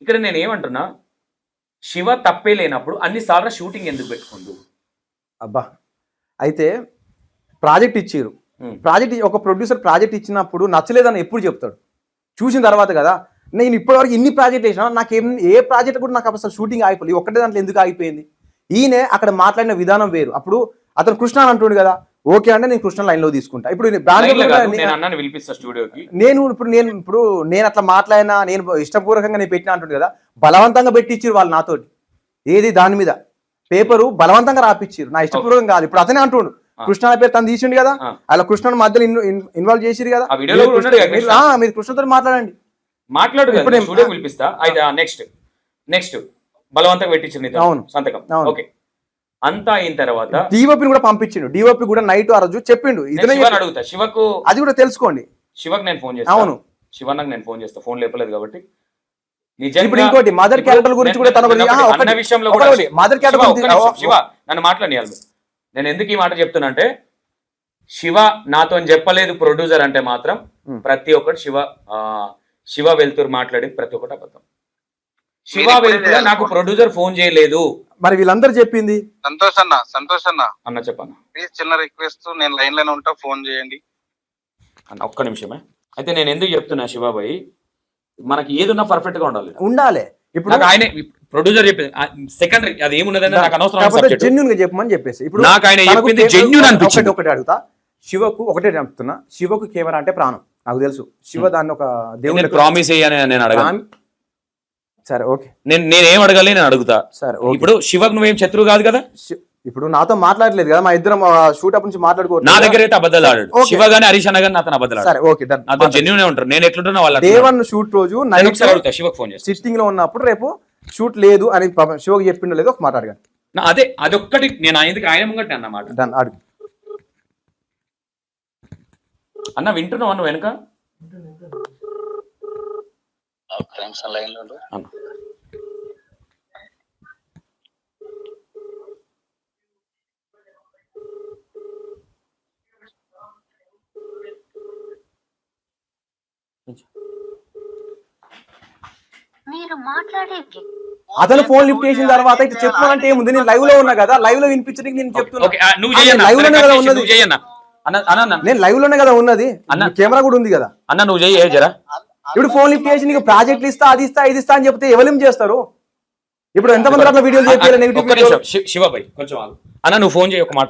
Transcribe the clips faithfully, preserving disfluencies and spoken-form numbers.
ఇక్కడ నేను ఏమంటున్నా, శివ తప్పే లేనప్పుడు అన్నిసార్లు షూటింగ్ ఎందుకు పెట్టుకుందు? అబ్బా అయితే ప్రాజెక్ట్ ఇచ్చారు, ప్రాజెక్ట్ ఒక ప్రొడ్యూసర్ ప్రాజెక్ట్ ఇచ్చినప్పుడు నచ్చలేదని ఎప్పుడు చెప్తాడు? చూసిన తర్వాత కదా. నేను ఇప్పటివరకు ఇన్ని ప్రాజెక్ట్ వేసినా నాకు ఏం ఏ ప్రాజెక్ట్ కూడా నాకు అసలు షూటింగ్ ఆగిపోలేదు. ఒక్కటే దాంట్లో ఎందుకు ఆగిపోయింది? ఈయనే అక్కడ మాట్లాడిన విధానం వేరు. అప్పుడు అతను కృష్ణ అని అంటుండు కదా, ఓకే అంటే నేను కృష్ణ లైన్ లో తీసుకుంటా. ఇప్పుడు నేను ఇప్పుడు నేను ఇప్పుడు నేను అట్లా మాట్లాడినా, నేను ఇష్టపూర్వకంగా నేను పెట్టినా అంటుండు కదా, బలవంతంగా పెట్టించారు వాళ్ళు నాతోటి. ఏది దాని మీద పేపరు బలవంతంగా రాపిచ్చారు, నా ఇష్టపూర్వకం కాదు. ఇప్పుడు అతనే అంటుండు కృష్ణ పేరు తను తీసిండు కదా, అలా కృష్ణను మధ్యలో ఇన్వాల్వ్ చేసిరు కదా. మీరు కృష్ణతో మాట్లాడండి, మాట్లాడు. పిలిపిస్తా. నెక్స్ట్ నెక్స్ట్ బలవంతంగా పెట్టించింది సంతకం. ఓకే, అంతా అయిన తర్వాత డిఓపి కూడా పంపించిండు. డిఓపి కూడా నైట్ ఆ రోజు చెప్పిండు. అడుగుతా శివకు, అది కూడా తెలుసుకోండి. శివకు నేను ఫోన్ చేస్తాను. అవును, శివన్నకు నేను ఫోన్ చేస్తా, ఫోన్ లేపలేదు కాబట్టి. ఇప్పుడు ఇంకోటి మదర్ క్యారెక్టర్ గురించి కూడా తన విషయంలో మదర్ క్యారెక్టర్ శివ నన్ను మాట్లాడియాలి. నేను ఎందుకు ఈ మాట చెప్తున్నా అంటే, శివ నాతో చెప్పలేదు ప్రొడ్యూసర్ అంటే మాత్రం ప్రతి ఒక్కటి శివ శివ వెళ్తూరు మాట్లాడి ప్రతి ఒక్కటి అబద్ధం. శివ వెళ్తూరు నాకు ప్రొడ్యూసర్ ఫోన్ చేయలేదు. మరి వీళ్ళందరూ చెప్పింది సంతోష్ అన్న. సంతోష్ అన్న అన్న చెప్పన్న, ప్లీజ్ చిన్న రిక్వెస్ట్, నేను లైన్ లోనే ఉంటా, ఫోన్ చేయండి అన్న. ఒక్క నిమిషమే. అయితే నేను ఎందుకు చెప్తున్నా శివాబాయి, మనకి ఏదున్నా పర్ఫెక్ట్ గా ఉండాలి ఉండాలి. ఇప్పుడు ఆయన ప్రొడ్యూసర్ చెప్పింది సెకండరీ, అది ఏమున్నదని నాకు అనవసరం, జెన్యూన్ గా చెప్పమని చెప్పేసి ఇప్పుడు నాకు ఆయన చెప్పింది జెన్యూన్ అనిపించింది. ఒకటి అడుగుతా, శివకు ఒకటే చెప్తున్నా, శివకు కెమెరా అంటే ప్రాణం నాకు తెలుసు. శివ దాన్ని ఒక దేవుడు ప్రామిస్ అయ్యాని నేను అడగాను. సరే ఓకే, నేను నేనేం అడగాలి నేను అడుగుతా. సరే ఇప్పుడు శివకు నువ్వేం శత్రువు కాదు కదా. ఇప్పుడు నాతో మాట్లాడలేదు కదా, మా ఇద్దరం షూట్ అప్ నుంచి మాట్లాడుకో. నా దగ్గర అయితే అబద్ధాలు ఆడాడు శివ గానీ హరీష్ అన్న గానీ నాతో అబద్ధాలు. సరే ఓకే, నాతో జెన్యూన్ ఉంటారు. నేను ఎట్లుంటున్నా వాళ్ళ దేవన్ షూట్ రోజు నైట్ శివకు ఫోన్ చేసి సిట్టింగ్ లో ఉన్నప్పుడు రేపు షూట్ లేదు అని శివకు చెప్పిండో లేదో ఒక మాట అడగాను. అదే అదొక్కటి నేను ఆయనకి ఆయన ముంగట్టే అన్నమాట. అడుగు అన్న, వింటున్నావు అన్న వెనుక? మీరు మాట్లాడే అతను ఫోన్ లిఫ్ట్ చేసిన తర్వాత ఇట్లా చెప్పాలంటే ఏముంది? నేను లైవ్ లో ఉన్నా కదా, లైవ్ లో వినిపించడానికి నేను చెప్తున్నా. లైవ్ లోనే కదా ఉన్నది, నేను లైవ్ లోనే కదా ఉన్నది, అన్న కెమెరా కూడా ఉంది కదా. అన్న నువ్వు చెయ్యి జరా. ఇప్పుడు ఫోన్ లిఫ్ట్ చేసి నీకు ప్రాజెక్టులు ఇస్తా, అది ఇస్తా, ఇది ఇస్తా అని చెప్తే ఎవరు చేస్తారు? ఇప్పుడు ఎంతమంది అట్లా వీడియోలు చేయాలి నెగిటివ్? శివబాయ్ కొంచెం అన్న, నువ్వు ఫోన్ చేయి ఒక మాట.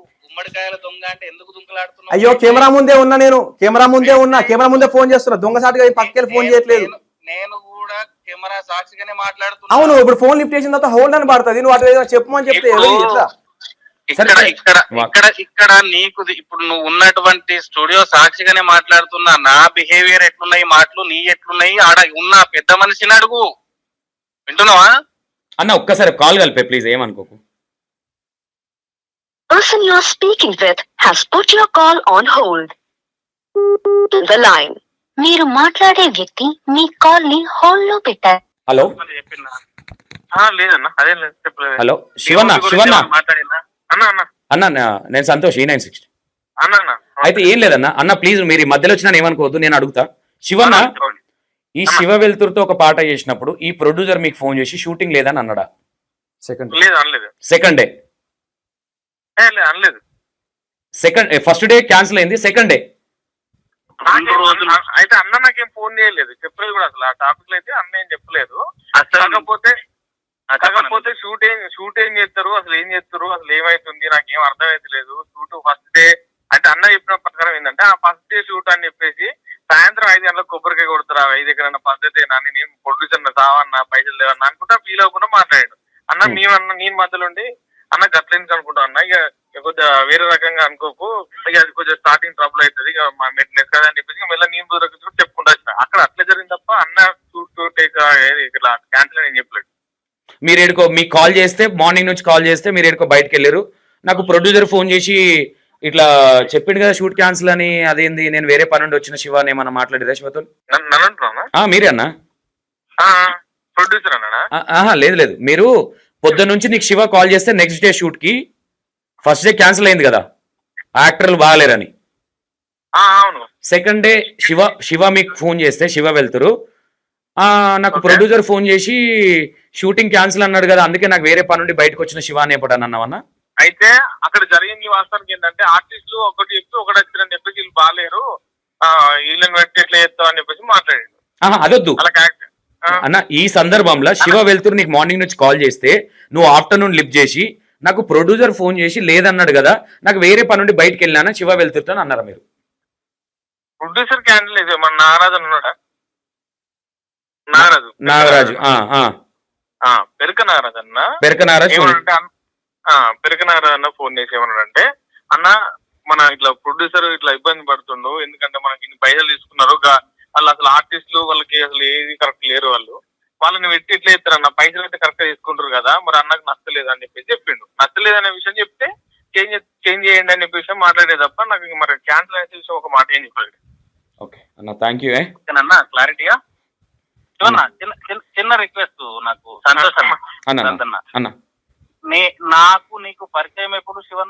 అయ్యో కెమెరా ముందే ఉన్నా, నేను కెమెరా ముందే ఉన్నా, కెమెరా ముందే ఫోన్ చేస్తున్నా, దొంగసాటిగా పక్కకి ఫోన్ చేయట్లేదు. నేను కూడా కెమెరా సాక్షిగానే మాట్లాడుతున్నా. అవును, ఇప్పుడు ఫోన్ లిఫ్ట్ చేసిన తర్వాత హోల్డ్ అని పడుతుంది. నువ్వు అట్లా చెప్పమని చెప్తే ఎట్లా? ఇక్కడ ఇక్కడ ఇక్కడ ఇక్కడ నీకు ఇప్పుడు నువ్వు ఉన్నటువంటి స్టూడియో సాక్షిగానే మాట్లాడుతున్నా. నా బిహేవియర్ ఎట్లున్నాయి, మాటలు నీ ఎట్లున్నాయి, ఆడ ఉన్న పెద్ద మనిషిని అడుగు. వింటున్నావా అన్న? ఒక్కసారి కాల్ కలిపే ప్లీజ్, ఏమనుకోకు. person you are speaking with has put your call on hold. The line మీరు మాట్లాడే వ్యక్తి మీ కాల్ ని హోల్డ్ లో పెట్టారు. హలో లేదన్నా, అదే చెప్పలేదు. హలో శివన్న, శివన్న అన్న అన్న అన్న నేను సంతోష్, ఈ నైన్ సిక్స్టీ. అన్న అయితే ఏం లేదన్న. అన్న ప్లీజ్ మీరు ఈ మధ్యలో వచ్చినా ఏమనుకోవద్దు, నేను అడుగుతా. శివన్న, ఈ శివ వెలుతురుతో ఒక పాట చేసినప్పుడు ఈ ప్రొడ్యూసర్ మీకు ఫోన్ చేసి షూటింగ్ లేదని అన్నాడా? సెకండ్ లేదు అనలేదు. సెకండ్ డే అనలేదు. సెకండ్ ఫస్ట్ డే క్యాన్సిల్ అయింది, సెకండ్ డే రెండు రోజులు అయితే అన్న నాకేం ఫోన్ చేయలేదు, చెప్పలేదు కూడా అసలు. ఆ టాపిక్ లో అయితే అన్న ఏం చెప్పలేదు. కాకపోతే కాకపోతే షూట్ ఏం షూట్ ఏం చేస్తారు, అసలు ఏం చేస్తారు, అసలు ఏమైతుంది నాకేం అర్థమైతే లేదు. షూట్ ఫస్ట్ డే అంటే అన్న చెప్పిన ప్రకారం ఏంటంటే, ఆ ఫస్ట్ డే షూట్ అని చెప్పేసి సాయంత్రం ఐదు గంటలకు కొబ్బరికాయ కొడుతురా, ఐదు ఎక్కడన్నా పద్ధతి అని నేను ప్రొడ్యూసర్ సావన్నా పైసలు లేవన్నా అనుకుంటా ఫీల్ అవ్వకుండా మాట్లాడాడు అన్న. మేమన్నా నేను మధ్యలో ఉండి అన్న గట్లేనికి అనుకుంటా అన్న, ఇక కొద్దిగా వేరే రకంగా అనుకోకు, ఇక అది కొంచెం స్టార్టింగ్ ట్రబుల్ అవుతుంది, ఇక మా మెట్లెస్ కదా అని చెప్పేసి మళ్ళీ నేను కూడా చెప్పుకుంటా వచ్చిన. అక్కడ అట్లా జరిగింది తప్ప అన్న షూట్ టేక్ ఇట్లా క్యాన్సిల్ అని చెప్పలేదు. మీరు ఏడుకో మీకు కాల్ చేస్తే, మార్నింగ్ నుంచి కాల్ చేస్తే మీరు ఏడుకో బయటకు వెళ్ళారు. నాకు ప్రొడ్యూసర్ ఫోన్ చేసి ఇట్లా చెప్పిండు కదా షూట్ క్యాన్సిల్ అని, అదేంది నేను వేరే పని నుండి వచ్చిన శివ అని ఏమన్నా మాట్లాడిరా శివతో? మీరే అన్నా ప్రొడ్యూసర్ అన్నా? లేదు లేదు, మీరు పొద్దున్న నుంచి నీకు శివ కాల్ చేస్తే నెక్స్ట్ డే షూట్ కి ఫస్ట్ డే క్యాన్సిల్ అయింది కదా, యాక్టర్లు బాగాలేరని. సెకండ్ డే శివ శివ మీకు ఫోన్ చేస్తే శివ వెళ్తురు ఆ, నాకు Okay. ప్రొడ్యూసర్ ఫోన్ చేసి షూటింగ్ క్యాన్సిల్ అన్నాడు కదా, అందుకే నాకు వేరే పని నుండి బయటకు వచ్చిన శివ అని ఎప్పుడు అన్నావన్నా? అయితే అక్కడ జరిగింది వాస్తవానికి ఏంటంటే ఆర్టిస్టులు ఒకటి చెప్పి ఒకటి వచ్చిందని చెప్పేసి వీళ్ళు బాగాలేరు, ఆ, వీళ్ళని పెట్టి ఎట్లా చేస్తావు అని చెప్పేసి మాట్లాడాడు. ఆహా, అదొద్దు అలా కరెక్ట్. అన్న. ఈ సందర్భంలో శివ వెళ్తూరు నీకు మార్నింగ్ నుంచి కాల్ చేస్తే నువ్వు ఆఫ్టర్నూన్ లిఫ్ట్ చేసి నాకు ప్రొడ్యూసర్ ఫోన్ చేసి లేదన్నాడు కదా, నాకు వేరే పని నుండి బయటకు వెళ్ళినా శివ వెళ్తురుతో అన్నారా మీరు? ప్రొడ్యూసర్ క్యాండిల్ ఇది మన నాగరాజు అని ఉన్నాడా? నాగరాజు నాగరాజు ఆ, ఆ. ఆ, పెరక నాగరాజు అన్న పెరక నాగరాజు ఫోన్- ఏమన్నాడంటే అన్న- ఆ, పెరక నాగరాజు అన్న ఫోన్ చేసి ఏమన్నాడంటే, అన్న మన ఇట్లా ప్రొడ్యూసర్ ఇట్లా ఇబ్బంది పడుతుండు, ఎందుకంటే మనకి ఇన్ని పైసలు తీసుకున్నారు, గా- వాళ్ళు అసలు ఆర్టిస్టులు వాళ్ళకి అసలు ఏది కరెక్ట్ లేరు, వాళ్ళు వాళ్ళని పెట్టి ఇట్లా ఇస్తారన్న, పైసలు అయితే కరెక్ట్ గా తీసుకుంటారు కదా, మరి అన్నకు నచ్చలేదు అని చెప్పేసి చెప్పిండు. నచ్చలేదు అనే విషయం చెప్తే చేంజ్ చేంజ్ చేయండి అని చెప్పే విషయం మాట్లాడే తప్ప నాకు ఇంక మరి క్యాన్సిల్ అనే విషయం ఒక మాట ఏం చెప్పలేదు. ఓకే అన్న, థ్యాంక్ యూ. అన్న క్లారిటీగా చిన్న చిన్న చిన్న రిక్వెస్ట్ నాకు సంతోషం అన్న అన్న అన్న నే నాకు నీకు పరిచయం ఎప్పుడు శివన్న?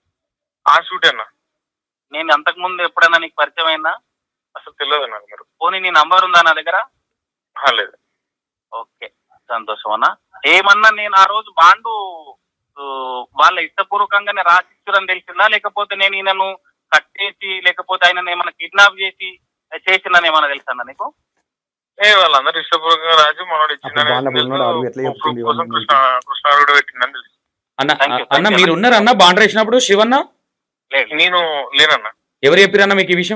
ఆ షూట్ అన్న నేను అంతకు ముందు ఎప్పుడైనా నీకు పరిచయం అయినా? అసలు తెలియదు నాకు. మరి పోనీ నీ నంబర్ ఉందా నా దగ్గర? ఆ, లేదు. ఓకే సంతోషం అన్న. ఏమన్నా నేను ఆ రోజు బాండు ఊ, వాళ్ళ ఇష్టపూర్వకంగానే రాసిచ్చురని తెలిసిందా, లేకపోతే నేను ఈయనను కట్టేసి లేకపోతే ఆయన ఏమైనా కిడ్నాప్ చేసి చేసిందని ఏమైనా తెలుసా నీకు? ఏ వాళ్ళందరూ ఇష్టపూర్వకంగా రాజు మనోడు అప్పుడు బాగున్నప్పుడు ఉన్నాడు, అడుగు ఎట్లా చెప్తుంది ఇచ్చిందని ఇవన్నీ? కృష్ణ కృష్ణారుడు పెట్టిందని తెలుసు. అన్న Thank you, అన్న thank you. మీరు ఉన్నారన్న బాండ్ రాసినప్పుడు శివన్న? లేదు నేను లేనన్న, ఎవరు చెప్పారన్న మీకు ఈ విషయం?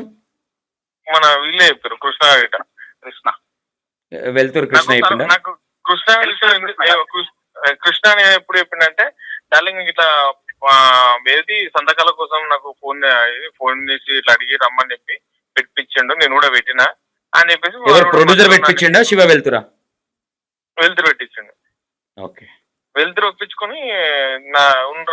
మన వీళ్ళే చెప్పారు, కృష్ణ గిట్ట. కృష్ణ వెళ్తూరు కృష్ణ నాకు చెప్పిండా? నాకు కృష్ణ విషయం ఎందుకు- ఏ, కృష్ణ- కృష్ణ అని ఎప్పుడు చెప్పిండంటే, డార్లింగ్ ఇట్లా ఆ, ఏది సంతకాల కోసం నాకు ఫోన్ ఫోన్ చేసి ఇట్లా అడిగి రమ్మని చెప్పి పెట్టించిండు, నేను కూడా పెట్టినా అని చెప్పేసి ఎవరు ప్రొడ్యూసర్ పెట్టించిండా శివ వెళ్తురా? వెళ్తురు పెట్టించిండు. ఓకే వెళ్తురు ఒప్పించుకొని నా ఉండ్ర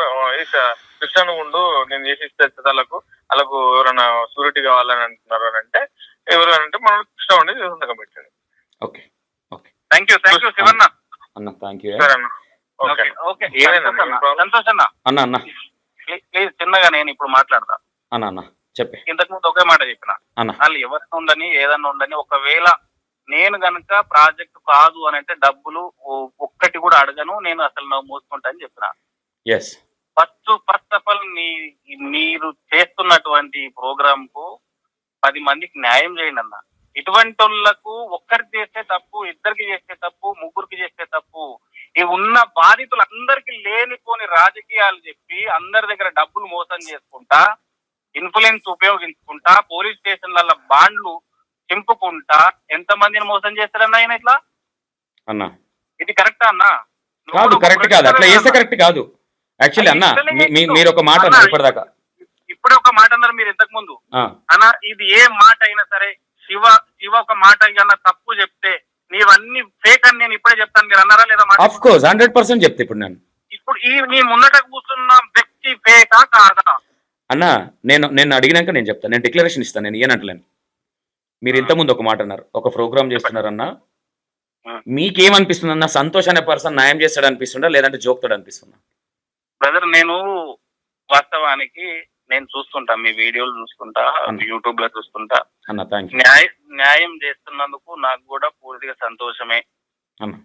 కృష్ణ ఉండు, నేను చేసి ఇస్తే వాళ్ళకు వాళ్ళకు ఎవరైనా సూరిటీ కావాలని అంటున్నారు అని అంటే, ఎవరు అని అంటే మనం కృష్ణ ఉండి సంతకం పెట్టింది. Okay okay thank you thank you శివన్న. అన్న, థ్యాంక్ యూ. సరే అన్న, ఓకే ఓకే ఏమైంది అన్న? ఏం ప్రాబ్లం? సంతోష్ అన్న అన్న అన్న ప్లీజ్ చిన్నగా నేను ఇప్పుడు మాట్లాడతా. అన్న అన్న చెప్పే ఇంతకు ముందు ఒకే మాట చెప్పిన, అన్న. వాళ్ళు ఎవరిని ఉండని ఏదన్నా ఉండని, ఒకవేళ నేను గనక ప్రాజెక్ట్ కాదు అని అంటే డబ్బులు ఓ- ఒక్కటి కూడా అడగను, నేను అసలు నువ్వు మోసుకుంటా అని చెప్పిన. Yes first first of all నీ మీరు చేస్తున్నటువంటి ప్రోగ్రామ్ కు పది మందికి న్యాయం చేయండి అన్న. ఇటువంటి వాళ్ళకు ఒక్కరికి చేస్తే తప్పు, ఇద్దరికి చేస్తే తప్పు, ముగ్గురికి చేస్తే తప్పు. ఈ ఉన్న బాధితులందరికీ లేనిపోని రాజకీయాలు చెప్పి అందరి దగ్గర డబ్బులు మోసం చేసుకుంటా, ఇన్ఫ్లుయెన్స్ ఉపయోగించుకుంటా, పోలీస్ స్టేషన్ల బాండ్లు చింపుకుంటా ఎంత మందిని మోసం చేస్తారన్న ఆయన ఇట్లా? అన్న ఇది కరెక్టా అన్న? కాదు, కరెక్ట్ కాదు, అట్లా చేస్తే కరెక్ట్ కాదు. యాక్చువల్లీ అన్న మీ- మీ- మీరు ఒక మాట అన్నారు ఇప్పటిదాకా. ఇప్పుడే ఒక మాట అన్నారు మీరు ఇంతకు ముందు ఆ, అన్న, ఇది ఏ మాట అయినా సరే శివ శివ ఒక మాట అన్న తప్పు చెప్తే నీవన్నీ ఫేక్ అని నేను ఇప్పుడే చెప్తాను, మీరు అన్నారా లేదా మాట? ఆఫ్ కోర్స్ హండ్రెడ్ పర్సెంట్ చెప్తే ఇప్పుడు నేను. ఇప్పుడు ఈ నీ ముందట కూర్చున్న వ్యక్తి ఫేకా కాదా? అన్న నేను నేను అడిగినాక నేను చెప్తాను, నేను డిక్లరేషన్ ఇస్తాను, నేను ఏనంటలేను. మీరు ఇంతకుముందు ఒక మాట అన్నారు, ఒక ప్రోగ్రామ్ చేస్తున్నారన్న, మీకేమనిపిస్తుంది అన్న? సంతోష్ అనే పర్సన్ న్యాయం చేస్తాడు అనిపిస్తుందా, లేదంటే జోక్తాడు అనిపిస్తుందా? బ్రదర్ నేను వాస్తవానికి నేను చూస్తుంటా, మీ వీడియోలు చూస్తుంటా, యూట్యూబ్ లో చూస్తుంటా. అన్న థ్యాంక్ యూ న్యాయ న్యాయం చేస్తున్నందుకు నాకు కూడా పూర్తిగా సంతోషమే. అన్న.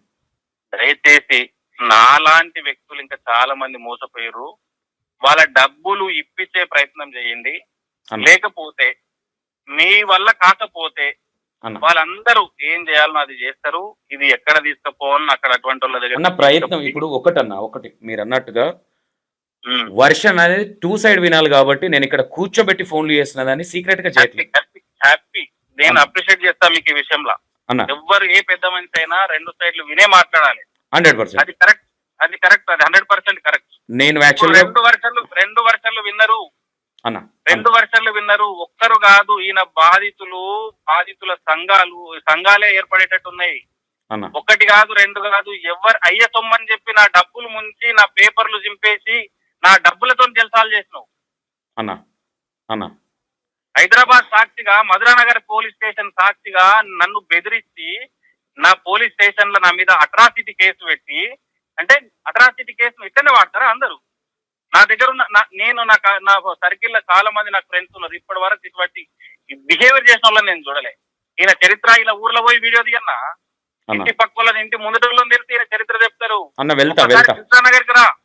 దయచేసి నాలాంటి వ్యక్తులు ఇంకా చాలా మంది మోసపోయారు, వాళ్ళ డబ్బులు ఇప్పించే ప్రయత్నం చేయండి. అన్న. లేకపోతే మీ వల్ల కాకపోతే అన్న వాళ్ళందరూ ఏం చేయాలనో అది చేస్తారు. ఇది ఎక్కడ తీసుకుపోవాలని అక్కడ అటువంటి వాళ్ళ దగ్గర అన్న ప్రయత్నం ఇప్పుడు ఒకటన్నా ఒకటి మీరు అన్నట్టుగా ఉమ్. వర్షన్ అనేది టూ సైడ్ వినాలి కాబట్టి నేను ఇక్కడ కూర్చోబెట్టి ఫోన్లు చేస్తున్నదాన్ని సీక్రెట్ గా చేయట్లేదు హ్యాపీ హ్యాపీ నేను అన్న. అప్రిషియేట్ చేస్తా మీకు ఈ విషయంలో. అన్న. ఎవ్వరు ఏ పెద్ద మనిషి అయినా రెండు సైడ్లు వినే మాట్లాడాలి. హండ్రెడ్ పర్సెంట్ అది కరెక్ట్, అది కరెక్ట్, అది హండ్రెడ్ పర్సెంట్ కరెక్ట్. నేను యాక్చువల్గా రెండు వర్షాలు రెండు వర్షాలు విన్నరు, అన్న రెండు వర్షాలు విన్నరు. ఒక్కరు కాదు, ఈయన బాధితులు బాధితుల సంఘాలు సంఘాలే ఏర్పడేటట్టు ఉన్నాయి. అన్న ఒకటి కాదు రెండు కాదు, ఎవరు అయ్య సొమ్మని చెప్పి నా డబ్బులు ముంచి నా పేపర్లు చింపేసి నా డబ్బులతో జల్సాలు చేసినావు అన్న అన్న హైదరాబాద్ సాక్షిగా, మధురానగర్ పోలీస్ స్టేషన్ సాక్షిగా నన్ను బెదిరించి నా పోలీస్ స్టేషన్ లో నా మీద అట్రాసిటీ కేసు పెట్టి, అంటే అట్రాసిటీ కేసు ఇక్కడనే వాడతారా అందరూ? నా దగ్గర ఉన్న నా- నేను నా కా- నా సర్కిల్ లో చాలా మంది నాకు ఫ్రెండ్స్ ఉన్నారు. ఇప్పటి వరకు ఇటువంటి బిహేవియర్ చేసిన వాళ్ళని నేను చూడలే. ఈయన చరిత్ర ఇలా ఊర్లో పోయి వీడియో తీయన్నా అన్న. ఇంటి పక్క వాళ్ళని ఇంటి ముందటోళ్ళని తెలిసి ఈయన చరిత్ర చెప్తారు. అన్న వెళ్తా ఒకసారి వెళ్తా కృష్ణా నగర్కి రా.